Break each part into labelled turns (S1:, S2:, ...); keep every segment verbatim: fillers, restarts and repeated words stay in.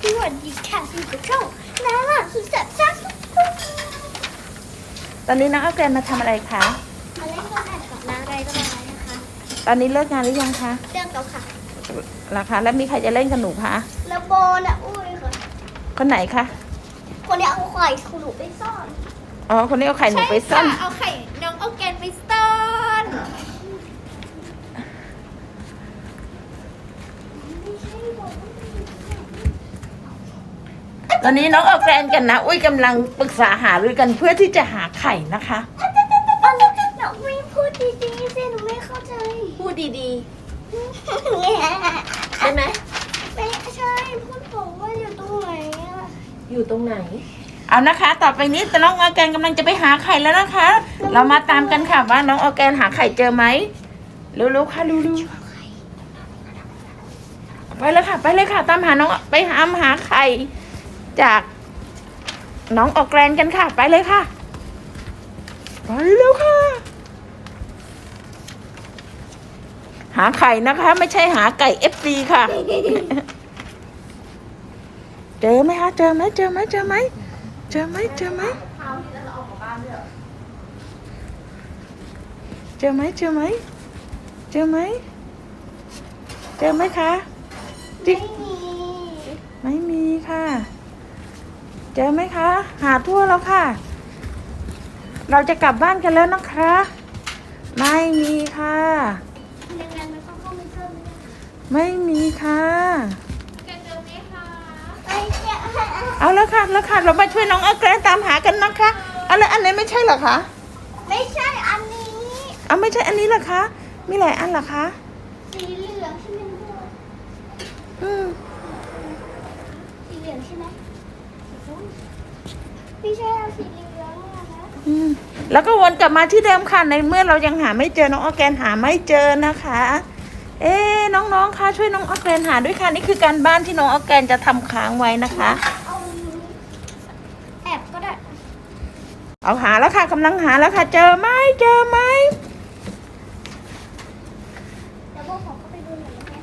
S1: สวัสดีค่ะพี่กระช่องน้าหลานสุดแสบซ่า
S2: ตอนนี้น้องเอาแกนมาทำอะไรคะ
S1: มาเล่นกับแอบกับน้าอะไรก็ได้นะคะ
S2: ตอนนี้เลิกงานหรือยังคะ
S1: เรื่องเก่าค่ะ
S2: ราคาแล้วมีใครจะเล่นกับหนูคะ
S1: แล้วโบน่ะอุ้ยค่ะ
S2: คนไหนคะ
S1: คนนี้เอาไข่ของหนูไปซ่อน
S2: อ๋อคนนี้เอาไข่หนูไปซ่อน
S1: เอาไข่น้องเอาแกนไปซ่อนไม่ใช่บอก
S2: ตอนนี้น้องเอาแกนกันนะอุ้ยกำลังปรึกษาหารือกันเพื่อที่จะหาไข่นะคะ
S1: อันนี้หนูไม่พูดดีๆสิหนูไม่เข้าใจ
S3: พูดดี
S1: ๆได้ไหมไม่ใช่พูดบอกว่าอยู่ตรงไหนอะ
S3: ๆ อยู่ตรงไหน
S2: เอานะคะ ต่อไปนี้น้องออร์แกนกำลังจะไปหาไข่แล้วนะคะ เรามาตามกันค่ะว่าน้องออร์แกนหาไข่เจอไหมเร็วๆค่ะเร็วๆไปเลยค่ะ ไปเลยค่ะ ตามหาน้องไปหาหาไข่จากน้องออร์แกนกันค่ะ ไปเลยค่ะไปเร็วค่ะ หาไข่นะคะ ไม่ใช่หาไก่เอฟซีค่ะ เจอไหมคะเจอไหมเจอไหมเจอไหมเจอไหมเจอไหมเจอไหมเจอไหมเจอไหมเจอไหมคะจิ๊ก
S1: ไม่มี
S2: ไม่มีค่ะ เจอไหมคะ หาทั่วแล้วค่ะ เราจะกลับบ้านกันแล้วนะคะ ไม่มีค่ะ
S1: ยังไงมันต้องเข้าไปเพิ่มไหม
S2: ไม่มีค่ะ
S1: แกเจอไหมคะไม่เจอ
S2: เอาแล้วค่ะแล้วค่ะ เรามาช่วยน้องเอาแกรนตามหากันนะคะเอาแล้วอันไหนไม่ใช่เหรอคะ
S1: ไม่ใช่อันนี้
S2: เอาไม่ใช่อันนี้เหรอคะ มีหลายอันเหรอคะ
S1: สีเหลืองใช่ไหมลูก
S2: อืม
S1: สีเหลืองใช่ไหมสีส้มไม่ใช่เอาสีเหลืองอะนะ
S2: อืมแล้วก็วนกลับมาที่เดิมค่ะในเมื่อเรายังหาไม่เจอน้องออร์แกนหาไม่เจอนะคะ เอ๊ะน้องๆคะช่วยน้องออร์แกนหาด้วยค่ะนี่คือการบ้านที่น้องออร์แกนจะทำค้างไว้นะคะ
S1: เอาแอบก็ได้
S2: เอาหาแล้วค่ะกำลังหาแล้วค่ะ เจอไหมเจอไหม
S1: เดี๋ยวพวกผมก็ไปดูหน่อยนะคะ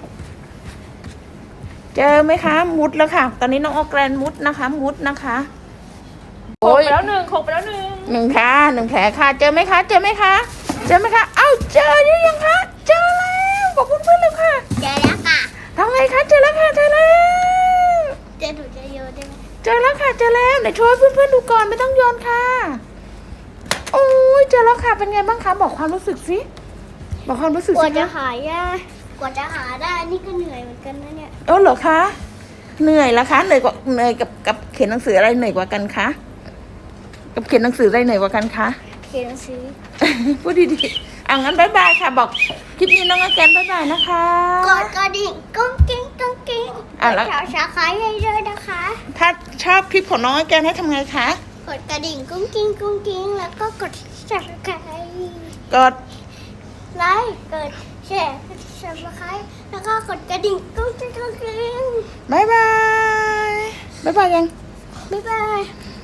S2: เจอไหมคะ มุดแล้วค่ะ ตอนนี้น้องออร์แกนมุดนะคะ มุดนะคะ
S3: โขกไปแล้วหนึ่งโขกไปแล้วหนึ่ง
S2: หนึ่งค่ะหนึ่งแผลค่ะ เจอไหมคะ เจอไหมคะ เจอไหมคะ เอ้าเจอหรือยังคะ เจอแล้วบอกเพื่อนๆเลยค่ะ
S1: เจอแล้วค่ะ
S2: ทำไงคะ เจอแล้วค่ะ เจอแล้ว
S1: เจอหนูจะโยนได้ไหม
S2: เจอแล้วค่ะ เจอแล้วเดี๋ยวช่วยเพื่อนๆดูก่อนไม่ต้องโยนค่ะ โอ้ยเจอแล้วค่ะ เป็นไงบ้างคะ บอกความรู้สึกสิ บอกความรู้สึก
S1: กว่า
S2: สิ
S1: จะ
S2: คะ
S1: หายากกว่าจะหาได้นี่ก็เหนื่อยเหมือนกันนะเนี่ย
S2: เออเหรอคะ เหนื่อยละคะ เหนื่อยกว่าเหนื่อยกับกับเขียนหนังสืออะไรเหนื่อยกว่ากันคะ กับเขียนหนังสืออะไรเหนื่อยกว่ากันคะ
S1: เขียนหนังสือ
S2: พูดดีๆเอางั้นบายบายค่ะ บอกคลิปนี้น้องอแกนบายบายนะคะ
S1: กดกระดิ่งกุ้งกิ้งกุ้งกิ้ง
S2: อ่ะแล้ว
S1: แถวสาขาใหญ่เลยนะคะ
S2: ถ้าชอบคลิปของน้องอแกนให้ทำไงคะ
S1: กดกระดิ่งกุ้งกิ้งกุ้งกิ้งแล้วก็กดสับสไคร
S2: กด
S1: ไลค์กดแชร์กดสับสไครแล้วก็กดกระดิ่งกุ้งกิ้งกุ้งกิ้ง
S2: บายบายบายบายยัง
S1: บ๊ายบาย